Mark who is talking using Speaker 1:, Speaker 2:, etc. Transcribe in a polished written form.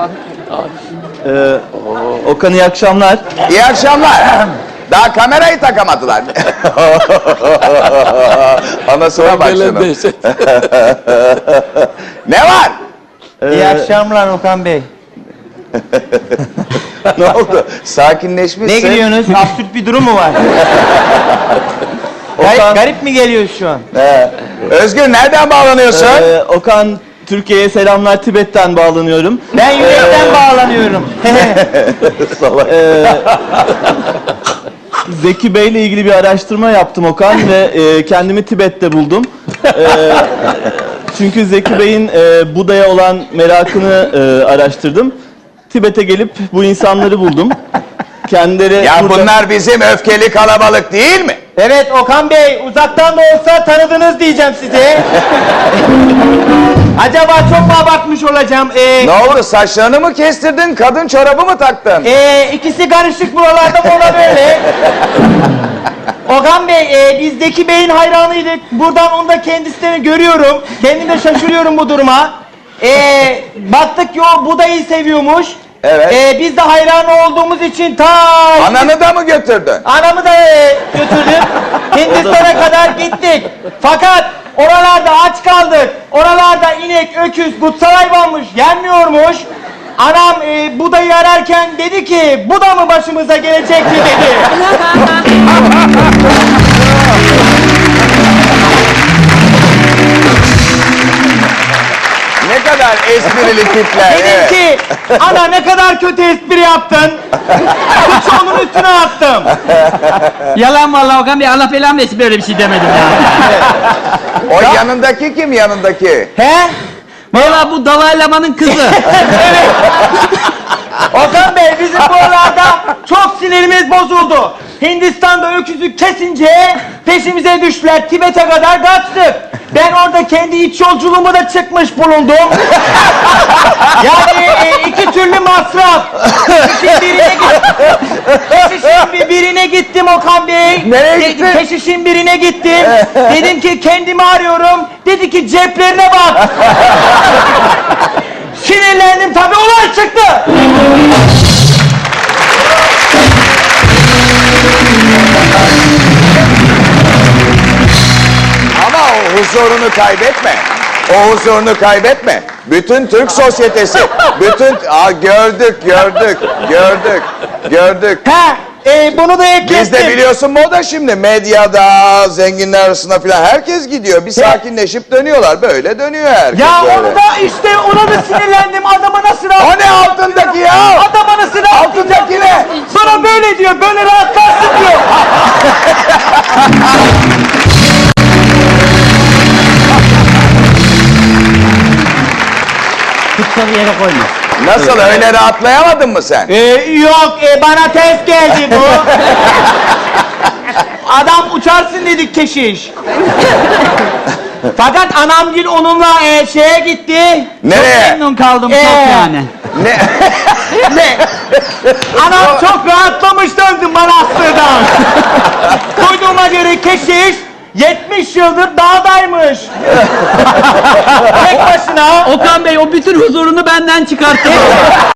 Speaker 1: Okan iyi akşamlar.
Speaker 2: İyi akşamlar. Daha kamerayı takamadılar. Anasına bak şunu. Ne var?
Speaker 3: İyi akşamlar Okan Bey.
Speaker 2: Ne oldu? Sakinleşmişsin.
Speaker 3: Ne gülüyorsunuz? Absürt bir durum mu var? Garip mi geliyor şu an?
Speaker 2: Özgür nereden bağlanıyorsun?
Speaker 1: Okan, Türkiye'ye selamlar, Tibet'ten bağlanıyorum.
Speaker 3: Ben yürekten bağlanıyorum.
Speaker 1: Salak. Zeki Bey'le ilgili bir araştırma yaptım Okan ve kendimi Tibet'te buldum. Çünkü Zeki Bey'in Buda'ya olan merakını araştırdım. Tibet'e gelip bu insanları buldum. Kendileri
Speaker 2: Ya
Speaker 1: burada...
Speaker 2: bunlar bizim öfkeli kalabalık değil mi?
Speaker 3: Evet Okan Bey, uzaktan da olsa tanıdınız diyeceğim size. Acaba çok mu abartmış olacağım?
Speaker 2: Ne oldu? Saçlarını mı kestirdin? Kadın çorabı mı taktın?
Speaker 3: İkisi karışık buralarda mı ona böyle? Okan Bey, biz Zeki Bey'in hayranıydık. Buradan onu da kendisini görüyorum. Kendim de şaşırıyorum bu duruma. Baktık ki o Buda'yı seviyormuş.
Speaker 2: Evet.
Speaker 3: Biz de hayran olduğumuz için
Speaker 2: Ananı da mı götürdün?
Speaker 3: anamı da götürdüm. Hindistan'a kadar gittik. Fakat oralarda aç kaldık. Oralarda inek, öküz, kutsal hayvanmış, yenmiyormuş. Anam Buda'yı ararken dedi ki, Buda mı başımıza gelecekti dedi.
Speaker 2: Ne kadar esprili tipler.
Speaker 3: Dedim
Speaker 2: Evet.
Speaker 3: ki, ana ne kadar kötü espri yaptın. Suçu onun üstüne attım.
Speaker 4: Yalan vallahi Okan Bey, Allah belamı versin, böyle bir şey demedim ya.
Speaker 2: O yanındaki kim yanındaki?
Speaker 3: He?
Speaker 4: Vallahi bu Dalai Lama'nın kızı.
Speaker 3: Okan Bey, bizim buralarda çok sinirimiz bozuldu. Hindistan'da öküzü kesince peşimize düştüler. Tibet'e kadar kaçtık. Ben orada kendi iç yolculuğumu da çıkmış bulundum. Yani iki türlü masraf. Keşişin birine gittim Okan Bey.
Speaker 2: Nereye gittin?
Speaker 3: Keşişin birine gittim. Dedim ki kendimi arıyorum. Dedi ki ceplerine bak. Sinirlendim tabii, olay çıktı.
Speaker 2: Ama o huzurunu kaybetme. O huzurunu kaybetme. Bütün Türk sosyetesi, bütün... Gördük.
Speaker 3: Bunu da eklettim.
Speaker 2: Biz de biliyorsun moda şimdi. Medyada, zenginler arasında filan herkes gidiyor. Bir sakinleşip dönüyorlar. Böyle dönüyor herkes.
Speaker 3: Ya
Speaker 2: böyle.
Speaker 3: onu da işte, ona da sinirlendim. Adama nasıl rahat...
Speaker 2: O ne altındaki ya?
Speaker 3: Adama nasıl rahat...
Speaker 2: Altındaki ne?
Speaker 3: Bana böyle diyor, böyle rahatlarsın diyor.
Speaker 4: Kutsalı yere koyma.
Speaker 2: Nasıl, öyle rahatlayamadın mı sen?
Speaker 3: Yok, bana ters geldi bu. Adam uçarsın dedik keşiş. Fakat anamgil onunla şeye gitti.
Speaker 2: Nereye?
Speaker 4: Memnun kaldım çok yani.
Speaker 2: Ne?
Speaker 3: Ne? Anam çok rahatlamış döndü manastırdan. Duyduğuma göre keşiş 70 yıldır dağdaymış. Tek başına.
Speaker 4: Okan Bey o bütün huzurunu benden çıkarttı.